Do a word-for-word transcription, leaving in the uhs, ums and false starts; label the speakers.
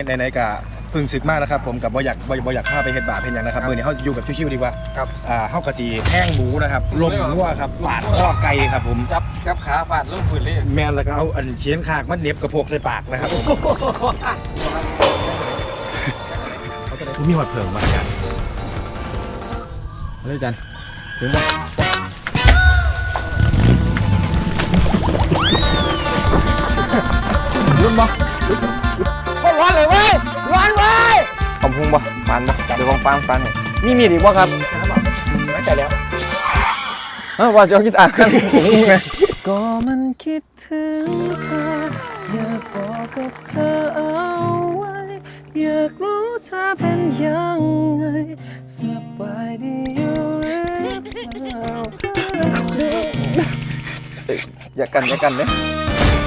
Speaker 1: ไหนๆกะพึ่งศึกมากนะครับผมกับบ่อยากบ่อยากพาไปเฮ็ดบาปเฮ็ดหยังนะครับมื้อนี้เฮาอยู่กับชิวๆดีกว่าครับอ่าเฮากะสิแห้งหมูนะครับลมงัวครับปาดข้อไก่ครับผมจับจับขาปาดลงพื้นเลยแม่นแล้วก็เอาอันเขียนคากมันเหน็บกระโพกใส่ปากนะครับผมเขามีหอดเผิงมากันเลยจันถึงบ่รุ่นบ่ก็ร้อนเลยเว้ยร้อนเว้ยขอบพุงบ่ปานบ่เดี๋ยวลองฟังฟังนี่มีดีบ่ครับไม่ใจแล้วเออว่าจะคิดอ่านกันผมไงก็มันคิดถึงเธออยากบอกกับเธอเอาไว้อยากรู้เธอเป็นยังไงสบายดีอยู่หรือเปล่าอย่ากันอย่ากันเนี่ย